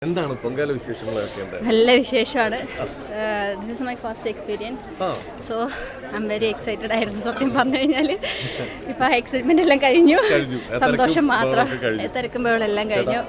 എന്താണ് പൊങ്കാല വിശേഷങ്ങളൊക്കെ? നല്ല വിശേഷമാണ്. This is my first experience, so I am very excited ആയിരുന്നു സത്യം പറഞ്ഞു കഴിഞ്ഞാൽ. ഇപ്പം ആ എക്സൈറ്റ്മെന്റ് എല്ലാം കഴിഞ്ഞു, സന്തോഷം മാത്രം. തിരക്കുമ്പോഴെല്ലാം കഴിഞ്ഞു,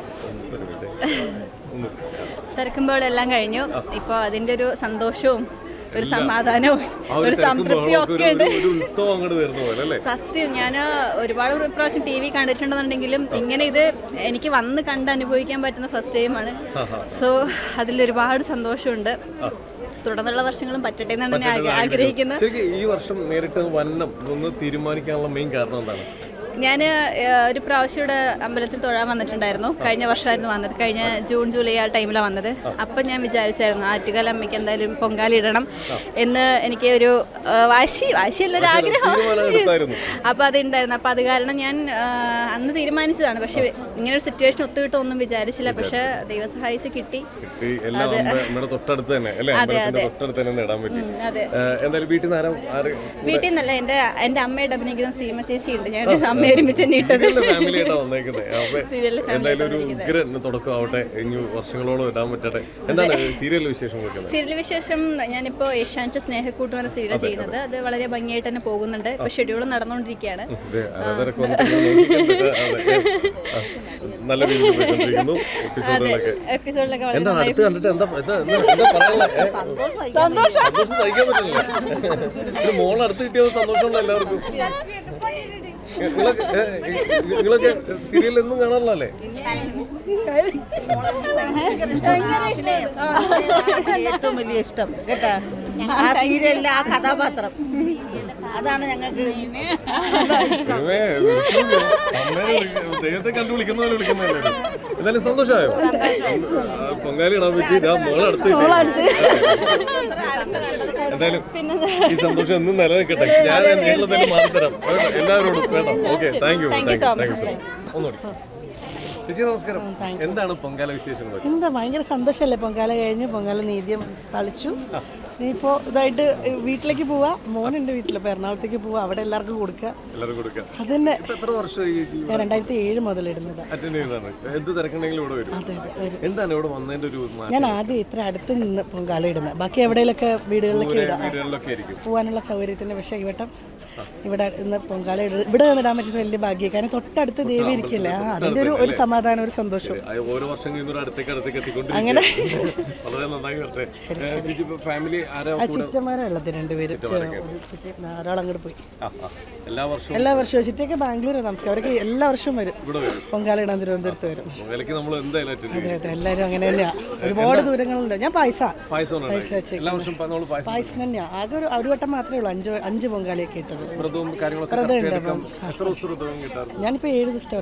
ഇപ്പോൾ അതിൻ്റെ ഒരു സന്തോഷവും ഒരു സമാധാനവും ഒരു സംതൃപ്തിയും ഒക്കെ ഉണ്ട്. സത്യം ഞാൻ ഒരുപാട് പ്രാവശ്യം TV കണ്ടിട്ടുണ്ടെന്നുണ്ടെങ്കിലും ഇങ്ങനെ ഇത് എനിക്ക് വന്ന് കണ്ട് അനുഭവിക്കാൻ പറ്റുന്ന ഫസ്റ്റ് ടൈമാണ്. സോ അതിലൊരുപാട് സന്തോഷമുണ്ട്. തുടർന്നുള്ള വർഷങ്ങളും പറ്റട്ടെ എന്നാണ് ഞാൻ ആഗ്രഹിക്കുന്നത്. ഈ വർഷം നേരിട്ട് വന്നം ഒന്ന് തീരുമാനിക്കാനുള്ള മെയിൻ കാരണം എന്താണ്? ഞാൻ ഒരു പ്രാവശ്യം ഇവിടെ അമ്പലത്തിൽ തൊഴാൻ വന്നിട്ടുണ്ടായിരുന്നു. കഴിഞ്ഞ വർഷമായിരുന്നു വന്നത്, കഴിഞ്ഞ ജൂൺ ജൂലൈ ആ ടൈമിലാണ് വന്നത്. അപ്പം ഞാൻ വിചാരിച്ചായിരുന്നു ആറ്റുകാൽ അമ്മയ്ക്ക് എന്തായാലും പൊങ്കാല ഇടണം എന്ന് എനിക്ക് ഒരു വാശിയുള്ളൊരു ആഗ്രഹം. അപ്പോൾ അതുണ്ടായിരുന്നു. അപ്പോൾ അത് കാരണം ഞാൻ അന്ന് തീരുമാനിച്ചതാണ്. പക്ഷെ ഇങ്ങനെ ഒരു സിറ്റുവേഷൻ ഒത്തുകിട്ടൊന്നും വിചാരിച്ചില്ല. പക്ഷെ ദൈവം സഹായിച്ച് കിട്ടി. അതെ അതെ അതെ. വീട്ടിൽ നിന്നല്ല, എൻ്റെ അമ്മയുടെ അഭിനയിക്കുന്ന സീമ ചേച്ചി ഉണ്ട്. ഞാൻ ഒരുമിച്ച് സീരിയൽ വിശേഷം ഞാനിപ്പോ ഏഷ്യാനെറ്റ് സ്നേഹക്കൂട്ട് എന്ന സീരിയൽ ചെയ്യുന്നത്. അത് വളരെ ഭംഗിയായിട്ട് തന്നെ പോകുന്നുണ്ട്. ഇപ്പൊ ഷെഡ്യൂൾ നടന്നുകൊണ്ടിരിക്കുകയാണ്. എപ്പിസോഡിലൊക്കെ നിങ്ങളൊക്കെ സീരിയൽ ഒന്നും കാണാറില്ലേ? ഏറ്റവും വലിയ ഇഷ്ടം കേട്ടാ ആ സീരിയലിലെ ആ കഥാപാത്രം, അതാണ് ഞങ്ങൾക്ക്. ദൈവത്തെ കണ്ടു വിളിക്കുന്ന പോലെ വിളിക്കുന്നതല്ലേ. എന്തായാലും സന്തോഷമായോ? പൊങ്കാലി ഇടാൻ പറ്റി. എന്തായാലും ഈ സന്തോഷം എന്നും നിലനിൽക്കട്ടെ. ഞാൻ നേരിൽ തന്നെ മാറിത്തരാം എല്ലാവരോടും. വേണം. Okay, thank you so much. ഒന്നുകൂടി ചേച്ചി നമസ്കാരം. എന്താണ് പൊങ്കാല വിശേഷങ്ങൾ? എന്താ ഭയങ്കര സന്തോഷമല്ലേ? പൊങ്കാല കഴിഞ്ഞു, പൊങ്കാല നീദ്യം തളിച്ചു. ഇനിയിപ്പോൾ ഇതായിട്ട് വീട്ടിലേക്ക് പോവാ. മോനുണ്ട് വീട്ടിൽ, അപ്പോൾ എറണാകുളത്തേക്ക് പോവാ. അവിടെ എല്ലാവർക്കും കൊടുക്കുക. അതന്നെ. എത്ര വർഷമായി? ഞാൻ 2007 മുതൽ ഇടുന്നത്. ഞാൻ ആദ്യം ഇത്ര അടുത്ത് നിന്ന് പൊങ്കാല ഇടുന്നത്. ബാക്കി എവിടെയെങ്കിലൊക്കെ വീടുകളിലൊക്കെ ഇടാം പോകാനുള്ള സൗകര്യത്തിന്. പക്ഷേ ഇവട്ടം ഇവിടെ ഇന്ന് പൊങ്കാല ഇവിടെ ഇടാൻ പറ്റുന്ന വലിയ ഭാഗ്യം. കാരണം തൊട്ടടുത്ത് ദേവി ഇരിക്കില്ലേ, അതിൻ്റെ ഒരു സമാധാനം, ഒരു സന്തോഷം. അങ്ങനെ ചുറ്റന്മാരാ ഉള്ളത്, 2 പേര്. ഒരാൾ അങ്ങോട്ട് പോയി. എല്ലാ വർഷവും ചുറ്റൊക്കെ ബാംഗ്ലൂരാണ് താമസിക്കുക. അവരൊക്കെ എല്ലാ വർഷവും വരും പൊങ്കാല ഇടാൻ തിരുവനന്തപുരത്ത് വരും. അതെ അതെ, എല്ലാവരും അങ്ങനെ തന്നെയാ. ഒരുപാട് ദൂരങ്ങളുണ്ട്. ഞാൻ പായസം തന്നെയാ. ആകെ ഒരു വട്ടം മാത്രമേ ഉള്ളൂ 5 പൊങ്കാലയൊക്കെ ഇട്ടത്. ഞാനിപ്പോ 7 ദിവസത്തെ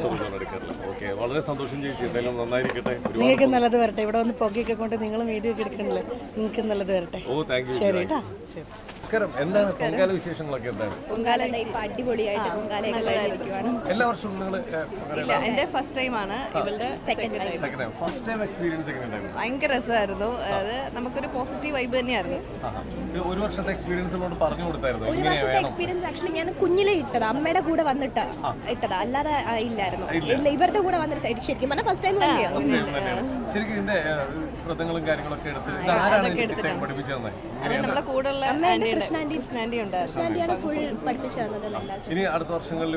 നിങ്ങൾക്ക് നല്ലത് വരട്ടെ. ഇവിടെ വന്ന് പുകയൊക്കെ കൊണ്ട് നിങ്ങൾ വീഡിയോ ഒക്കെ എടുക്കണല്ലേ, നിങ്ങൾക്ക് നല്ലത് വരട്ടെ. ശരി കേട്ടാ. എന്താണ് പൊങ്കാല വിശേഷങ്ങളൊക്കെ? പൊങ്കാല അടിപൊളിയായിട്ട് എല്ലാ വർഷവും എന്റെ ഫസ്റ്റ് ടൈം ആണ്, ഇവളുടെ സെക്കൻഡ് ടൈം. ഭയങ്കര രസമായിരുന്നു. അത് നമുക്കൊരു പോസിറ്റീവ് വൈബ് തന്നെയായിരുന്നു. ഒരു വർഷത്തെ എക്സ്പീരിയൻസിനോട് പറഞ്ഞു കൊടുത്തായിരുന്നു. ഒരു വർഷത്തെ എക്സ്പീരിയൻസ് ആക്ച്വലി ഞാൻ കുഞ്ഞിലെ ഇട്ടതാ, അമ്മയുടെ കൂടെ വന്നിട്ട് ഇട്ടതാ, അല്ലാതെ ഇല്ലായിരുന്നു. ഇവരുടെ കൂടെ വന്നിട്ട് ശരിക്കും പറഞ്ഞാൽ ഫസ്റ്റ് ടൈം തന്നെയാണ്. ശരിക്കും ഇതിന്റെ വ്രതങ്ങളും കാര്യങ്ങളൊക്കെ അത് നമ്മുടെ കൂടെ ഉള്ള കൃഷ്ണാന്റിയാണ് ഫുൾ പഠിപ്പിച്ചു തന്നത്. ഇനി അടുത്ത വർഷങ്ങളിൽ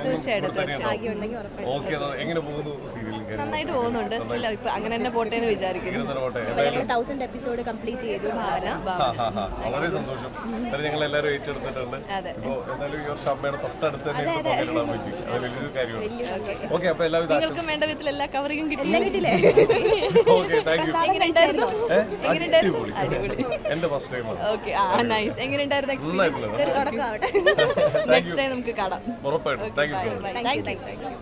എങ്ങനെ പോകുന്നു? നന്നായിട്ട് പോകുന്നുണ്ട്. സ്റ്റിൽ ഇപ്പൊ അങ്ങനെ തന്നെ പോട്ടെ എന്ന് വിചാരിക്കുന്നു. 1000 എപ്പിസോഡ് കംപ്ലീറ്റ് ചെയ്തു. വളരെ സന്തോഷം. ഞങ്ങൾ എല്ലാവരും ഏറ്റെടുത്തിട്ടുണ്ട്. ഈ വർഷം അമ്മയുടെ തൊട്ടടുത്ത് വലിയൊരു കാര്യമാണ്. ഓക്കെ, അപ്പൊ എല്ലാവരും നിങ്ങൾക്കും വേണ്ട വിധത്തിൽ എല്ലാ കവറിങ്ങും കിട്ടിയില്ലേ? Okay, thank you. എന്റെ ഫസ്റ്റ് ടൈമാണ്. Okay, nice. എങ്ങനെയുണ്ടായിരുന്നു എക്സ്പീരിയൻസ്? നെക്സ്റ്റ് ടൈം നമുക്ക് കാണാം. ഉറപ്പായിട്ടും. താങ്ക് യു സോ മച്ച്.